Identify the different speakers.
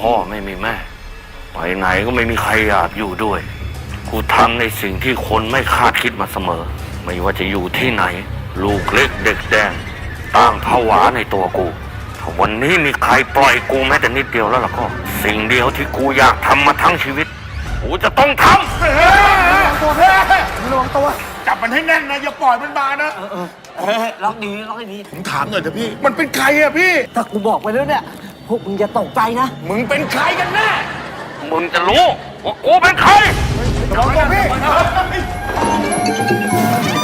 Speaker 1: พ่อไม่มีแม่ไปไหนก็ไม่มีใครอยากอยู่ด้วยกูทำในสิ่งที่คนไม่คาดคิดมาเสมอไม่ว่าจะอยู่ที่ไหนลูกเล็กเด็กแดงต่างผวาในตัวกูถ้าวันนี้มีใครปล่อยกูแม้แต่นิดเดียวแล้วล่ะก็สิ่งเดียวที่กูอยากทำมาทั้งชีวิตกูจะต้องทำ
Speaker 2: ระวังตัว
Speaker 3: จับมันให้แน่นนะอย่าปล่อยมันมานะ
Speaker 2: ล็อกดีล็อกให้ดี
Speaker 3: ผมถามหน่อยเถอะพี่มันเป็นใครอะพี่
Speaker 2: ถ้ากูบอกไปแล้วเนี่ยพวกมึงอย่าตกใจนะ
Speaker 3: มึงเป็นใครกันแน่
Speaker 1: มึงจะรู้ว่ากูเป็นใคร
Speaker 3: ระวังตัวพี่